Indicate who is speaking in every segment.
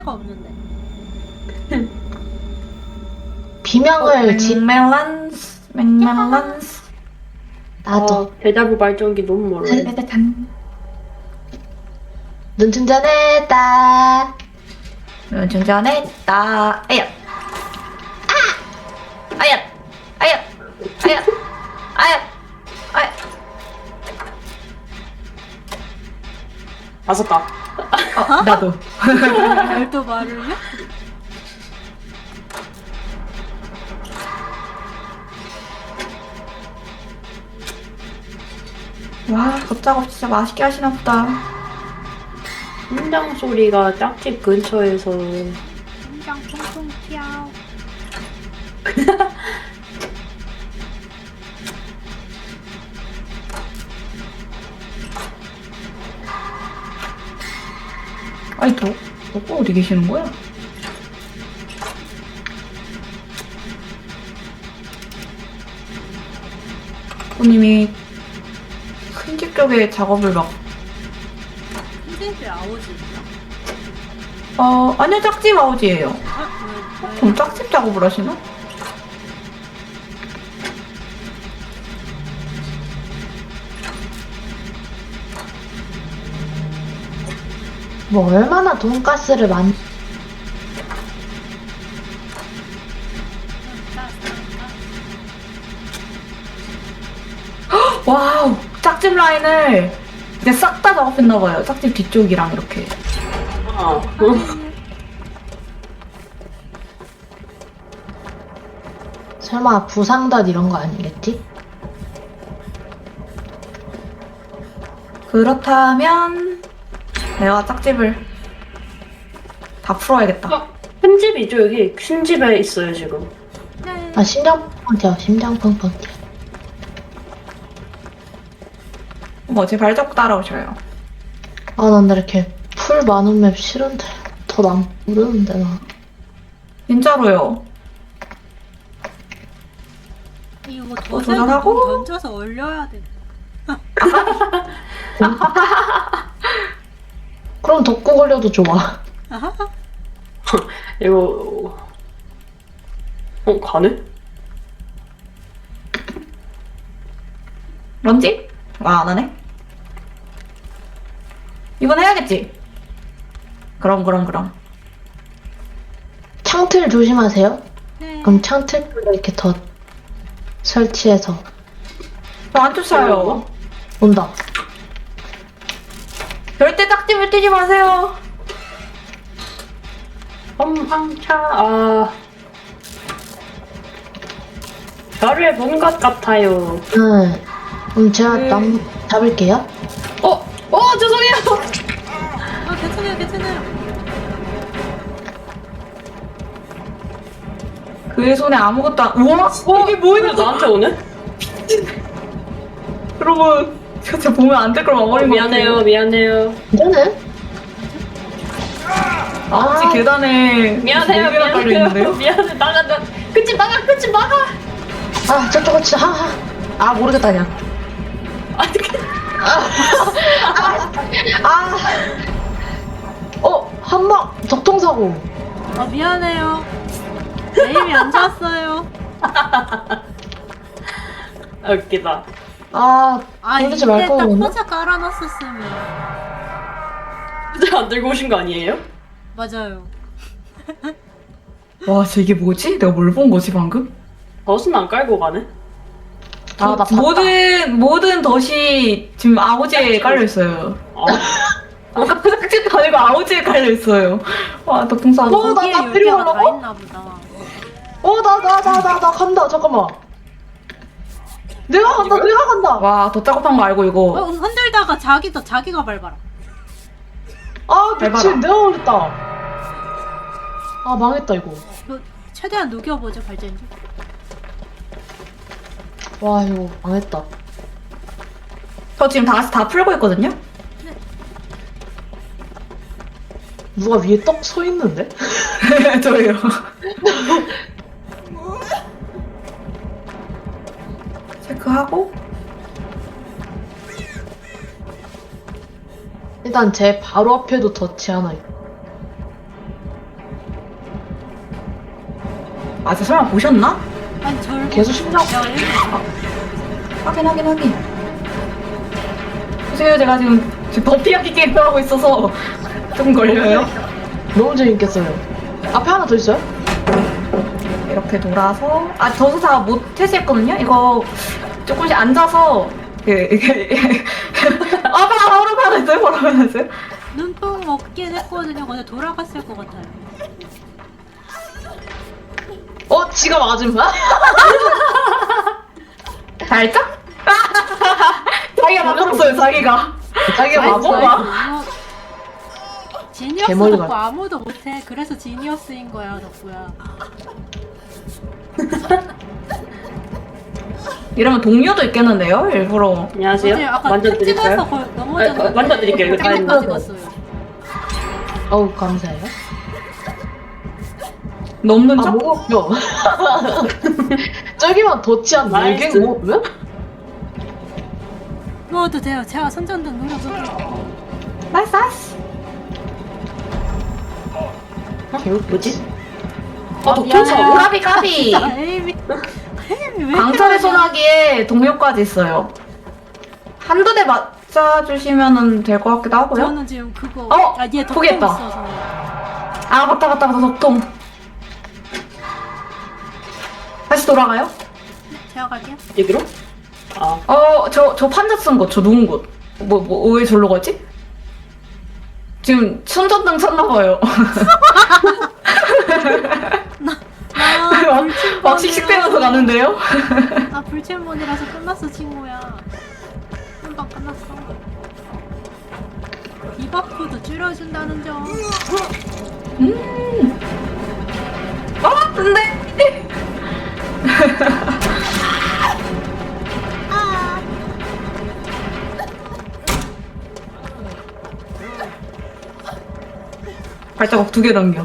Speaker 1: 없는데.
Speaker 2: 비명을
Speaker 3: 맥멜란스 맥멜란스
Speaker 2: 나도
Speaker 4: 대자부 발전기 너무 멀어요.
Speaker 3: 짜자잔.
Speaker 2: 눈 충전했다.
Speaker 3: 충전했다. 아야 아야 아야 아야 아야 아야.
Speaker 4: 맞았다.
Speaker 3: 나도.
Speaker 1: 말도 말을 해?
Speaker 3: 와, 걷자고 진짜 맛있게 하시나 보다.
Speaker 4: 심장 소리가 짝집 근처에서
Speaker 1: 심장 통통 튀어.
Speaker 3: 아니, 너 어디 계시는 거야? 부님이 큰 집 쪽에 작업을 막,
Speaker 1: 큰집에 아오지 있나?
Speaker 3: 아니요, 짝집 아우지예요.
Speaker 1: 왜?
Speaker 3: 그럼 짝집 작업을 하시나?
Speaker 2: 뭐 얼마나 돈가스를
Speaker 3: 와우, 짝집 라인을 이제 싹 다 작업했나봐요. 짝집 뒤쪽이랑 이렇게.
Speaker 4: 아,
Speaker 2: 설마 부상덧 이런 거 아니겠지?
Speaker 3: 그렇다면 내가 짝집을 다 풀어야겠다.
Speaker 4: 큰 집이죠 여기. 큰 집에 있어요 지금.
Speaker 1: 네.
Speaker 2: 아 심장 펑펑 튀어. 심장 펑펑 튀어.
Speaker 3: 제 발자국 따라오셔요.
Speaker 2: 아 난 이렇게 풀 많은 맵 싫은데 더 난 모르는데 나.
Speaker 3: 진짜로요.
Speaker 1: 이거
Speaker 3: 도전하고?
Speaker 1: 도색을 던져서 올려야 돼.
Speaker 2: 그럼 덕구 걸려도 좋아.
Speaker 4: 이거 가네?
Speaker 3: 런지? 안 하네. 이건 해야겠지? 그럼.
Speaker 2: 창틀 조심하세요.
Speaker 1: 네.
Speaker 2: 그럼 창틀로 이렇게 더 설치해서
Speaker 3: 안 쫓아요.
Speaker 2: 온다.
Speaker 3: 절대 짝집을 뛰지 마세요.
Speaker 4: 험황차. 아, 별을 본 것 같아요.
Speaker 2: 네. 그럼 제가
Speaker 3: 네.
Speaker 2: 나무 잡을게요.
Speaker 3: 죄송해요.
Speaker 1: 괜찮아요.
Speaker 3: 그의 손에 아무것도 안. 우와, 이게 뭐예요?
Speaker 4: 나한테 오네?
Speaker 3: 여러분, 진짜 보면 안 될 걸 막아버린 것 같아요.
Speaker 4: 미안해요.
Speaker 2: 괜찮아요?
Speaker 3: 아버지 계단에
Speaker 4: 미안해요.
Speaker 3: 네 개나 깔려 있는데요?
Speaker 4: 미안해. 나가. 끝집 막아.
Speaker 2: 아 저쪽은 진짜 아 모르겠다 그냥. 한방 적통사고.
Speaker 1: 미안해요. 에임이 안 좋았어요.
Speaker 4: 웃기다.
Speaker 2: 돌리지 말
Speaker 1: 이때
Speaker 2: 걸
Speaker 1: 딱
Speaker 2: 그랬나?
Speaker 1: 포자 깔아놨었으면.
Speaker 4: 진짜 안 들고 오신 거 아니에요?
Speaker 1: 맞아요.
Speaker 3: 와, 진짜 이게 뭐지? 내가 뭘 본 거지 방금?
Speaker 4: 덫은 안 깔고 가네?
Speaker 2: 나 봤다.
Speaker 3: 모든 덫이 지금 아우지에 깔려 있어요. 아까 짝집도 아니고 아우지에 깔려 있어요. 와, 덕통사.
Speaker 1: 거기에
Speaker 2: 나
Speaker 1: 10개가
Speaker 2: 필요하라고?
Speaker 1: 다 있나 보다.
Speaker 2: 나 간다. 잠깐만. 내가 간다.
Speaker 3: 와, 더 작업한 거 알고 이거.
Speaker 1: 흔들다가 자기가 밟아라.
Speaker 2: 미친.
Speaker 3: 밟아라.
Speaker 2: 내가 걸렸다. 망했다 이거.
Speaker 1: 최대한 녹여보죠 발전기.
Speaker 2: 와 이거 망했다.
Speaker 3: 저 지금 다 풀고 있거든요?
Speaker 2: 누가 위에 떡 서 있는데?
Speaker 3: 저예요. 체크하고.
Speaker 2: 일단 제 바로 앞에도 덫이 하나 있고.
Speaker 3: 아, 저 설마 보셨나?
Speaker 1: 아니 절
Speaker 2: 계속 심장
Speaker 1: 제가 일부러
Speaker 3: 확인. 보세요, 제가 지금 버피하기 게임을 하고 있어서 조금 걸려요.
Speaker 2: 너무 재밌겠어요. 앞에 하나 더 있어요?
Speaker 3: 이렇게 돌아서 저도 다 못 tes했거든요. 이거 조금씩 앉아서 이게 바로 받았어요. 바로 받았어요.
Speaker 1: 눈뽕 먹긴 했거든요. 근데 돌아갔을 것 같아요.
Speaker 2: 지가 맞은 거야?
Speaker 3: 살짝? 자기가 맞았어요. 자기가
Speaker 2: 자기가
Speaker 1: 아이고,
Speaker 2: 맞은
Speaker 1: 아이고,
Speaker 2: 거야?
Speaker 1: 이거 지니어스
Speaker 2: 개멀리
Speaker 1: 덕후
Speaker 2: 같아.
Speaker 1: 아무도 못해. 그래서 지니어스인 거야, 덕후야.
Speaker 3: 이러면 동료도 있겠는데요. 일부러
Speaker 4: 안녕하세요.
Speaker 1: 어제 아까
Speaker 4: 만져
Speaker 1: 탁 찍어서
Speaker 4: 드릴까요?
Speaker 1: 넘어졌는데.
Speaker 4: 만져드릴게요. 이거 다
Speaker 1: 다
Speaker 4: 했는데.
Speaker 1: 찍었어요.
Speaker 2: 어우, 감사해요.
Speaker 3: 넘는
Speaker 2: 아,
Speaker 3: 척?
Speaker 2: 뭐가 웃겨. 저기만 덧치 않나?
Speaker 4: 나이스.
Speaker 2: 이게 뭐, 왜?
Speaker 1: 누워도 돼요. 제가 손전등 눌러서.
Speaker 3: 나이스.
Speaker 2: 개웃기지?
Speaker 4: 독통사.
Speaker 3: 까비.
Speaker 1: 에이미 왜
Speaker 3: 강철의
Speaker 1: 그러냐.
Speaker 3: 소나기에 동료까지 있어요. 한두 대 맞아주시면 될 것 같기도 하고요.
Speaker 1: 저는 지금 그거 얘 덕후
Speaker 3: 포기했다.
Speaker 1: 있어서.
Speaker 3: 아, 맞다. 덕통. 다시 돌아가요?
Speaker 1: 제가 갈게요.
Speaker 4: 여기로? 아,
Speaker 3: 저 판자 쓴 곳, 저 누운 곳. 왜 절로 가지? 지금 손전등 쳤나봐요. 막 씩씩대면서 가는데요?
Speaker 1: 아 불체몬이라서 끝났어 친구야. 금방 끝났어. 디버프도 줄여준다는 점.
Speaker 3: 안 돼! 발자국 두 개 넘겨.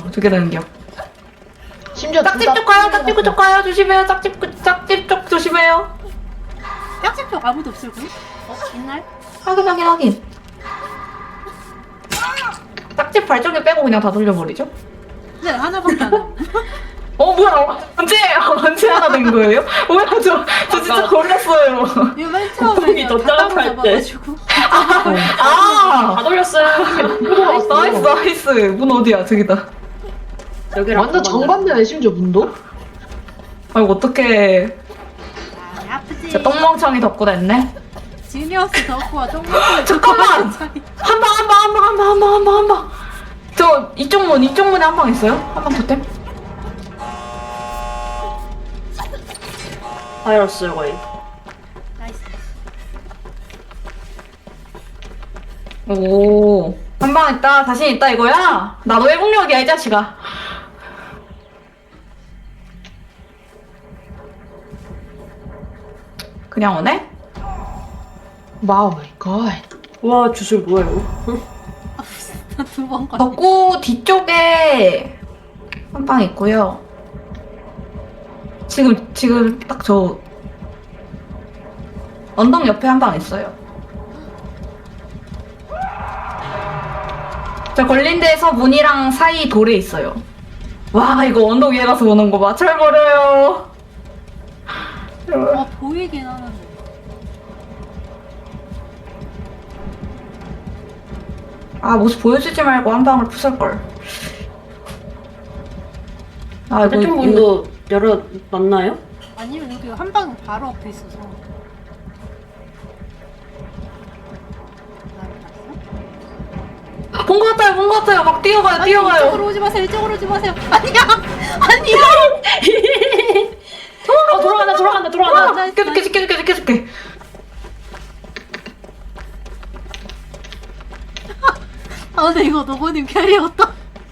Speaker 2: 심지어
Speaker 3: 짝집 쪽 가요, 짝집 쪽 가요. 조심해요, 짝집 쪽 조심해요.
Speaker 1: 짝집쪽 아무도 없을 거요? 옛날?
Speaker 3: 확인. 짝집 발전기 빼고 그냥 다 돌려버리죠?
Speaker 1: 네 하나밖에 안 나.
Speaker 3: 뭐야? 언제 하나 된 거예요? 뭐야, 저 진짜
Speaker 4: 아까-
Speaker 3: 놀랐어요.
Speaker 1: 이거 맨 처음에
Speaker 4: 거북이 더
Speaker 1: 다
Speaker 4: 작업할 때.
Speaker 1: 잡아가지고.
Speaker 3: 아!
Speaker 4: 다 돌렸어요.
Speaker 3: 나이스. 문 어디야? 저기다.
Speaker 4: 여기랑
Speaker 2: 완전
Speaker 4: 그거만
Speaker 2: 정반대네, 심지어 문도?
Speaker 3: 아이고, 어떡해.
Speaker 1: 아 아프지.
Speaker 3: 진짜 똥멍청이 덕구 됐네.
Speaker 1: 지니어스 덕후와 똥망이
Speaker 3: 잠깐만! 한 방. 저 이쪽 문에 한 방 있어요? 한 방 더 땜?
Speaker 4: 바이러스 거의.
Speaker 1: 나이스.
Speaker 3: 오. 한 방 있다. 자신 있다 이거야? 나도 회복력이야, 이 자식아. 그냥 오네?
Speaker 2: 마우 마이 갓.
Speaker 4: 와, 주술 뭐야, 이거?
Speaker 1: 두번 가.
Speaker 3: 덕구 뒤쪽에 한 방 있고요. 지금 딱 저 언덕 옆에 한 방 있어요. 저 걸린 데에서 문이랑 사이 돌에 있어요. 와, 이거 언덕 위에 가서 보는 거 맞춰버려요.
Speaker 1: 보이긴 하는데.
Speaker 3: 모습 보여주지 말고 한 방을 부술걸.
Speaker 4: 저쪽 문도 열어놨나요?
Speaker 1: 아니면 여기 한 방 바로 앞에 있어서. 나를 봤어?
Speaker 3: 본 것 같아요. 막 뛰어가요.
Speaker 1: 이쪽으로 오지 마세요. 이쪽으로 오지 마세요. 아니야.
Speaker 4: 돌아간다.
Speaker 1: 나이스,
Speaker 3: 깨줄게.
Speaker 1: 아 근데 이거 너구님 캐리였다.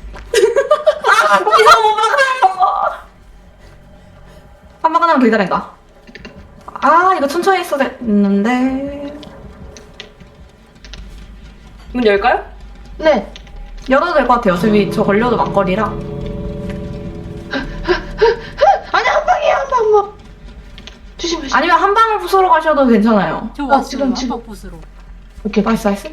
Speaker 3: 이상 못 막아요. 한 방 하나만 더 기다린다. 이거 천천히 했어야 됐는데.
Speaker 4: 문 열까요?
Speaker 2: 네.
Speaker 3: 열어도 될 것 같아요. 어차피 저 걸려도 막걸리라.
Speaker 2: 아니, 한 방이야, 한 방. 조심해.
Speaker 3: 아니면 한 방을 부수러 가셔도 괜찮아요.
Speaker 1: 저 왔어요.
Speaker 2: 지금.
Speaker 1: 한방 부스로.
Speaker 2: 오케이.
Speaker 3: 나이스.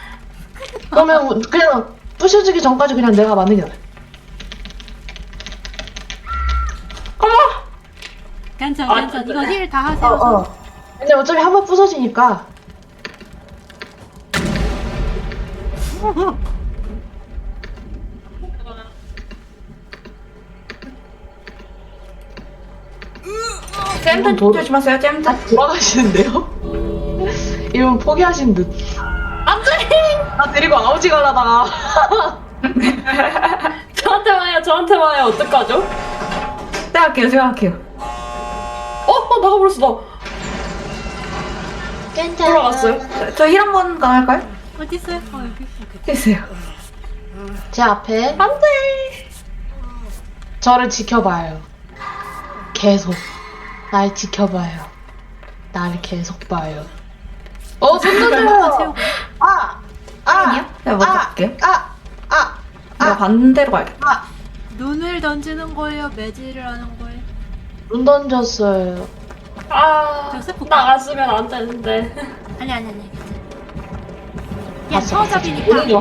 Speaker 2: 그러면 그냥 부셔지기 전까지 그냥 내가 만든 게 나아.
Speaker 1: 괜찮아. 이거 힐 다 하세요.
Speaker 2: 근데 어차피 한 번 부서지니까.
Speaker 3: 잼
Speaker 2: 도-
Speaker 3: 조심하세요. 잼.
Speaker 2: 돌아가시는데요? 이분 포기하신 듯. 안 돼! 나 데리고 아우지 가려다가.
Speaker 4: 저한테 와요. 어떡하죠?
Speaker 3: 제가 할게요.
Speaker 4: 나가버렸어,
Speaker 2: 괜찮아.
Speaker 4: 돌아갔어요.
Speaker 3: 저 힐 한 번 가할까요?
Speaker 1: 어디 있어요? 여기.
Speaker 3: 됐어요.
Speaker 2: 제 앞에.
Speaker 4: 안 돼!
Speaker 2: 저를 지켜봐요. 계속. 날 지켜봐요. 날 계속 봐요. 손 던져요!
Speaker 1: 세우고.
Speaker 3: 아니요? 제가 먼저 갈게요. 내가 반대로 갈게요.
Speaker 1: 눈을 던지는 거예요? 매질을 하는 거예요?
Speaker 2: 눈 던졌어요.
Speaker 1: 저 세포
Speaker 4: 나갔으면 안 되는데.
Speaker 1: 아니. 그냥
Speaker 2: 봤어,
Speaker 1: 서잡이니까.
Speaker 2: 오는 게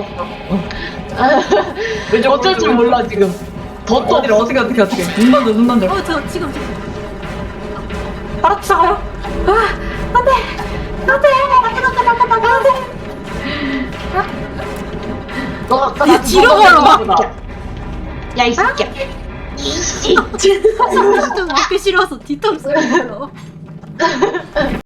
Speaker 2: 왔어. 어쩔 줄 몰라, 지금. 덧도
Speaker 3: 어디를
Speaker 2: 없어.
Speaker 3: 어떻게. 눈 던져.
Speaker 1: 저 지금.
Speaker 3: 바로 쫓아가요. 안 돼.
Speaker 2: 너 아까
Speaker 1: 야, 뒤로 걸어봐.
Speaker 2: 야, 이 새끼야.
Speaker 1: 좀 먹기 싫어서 뒤통수.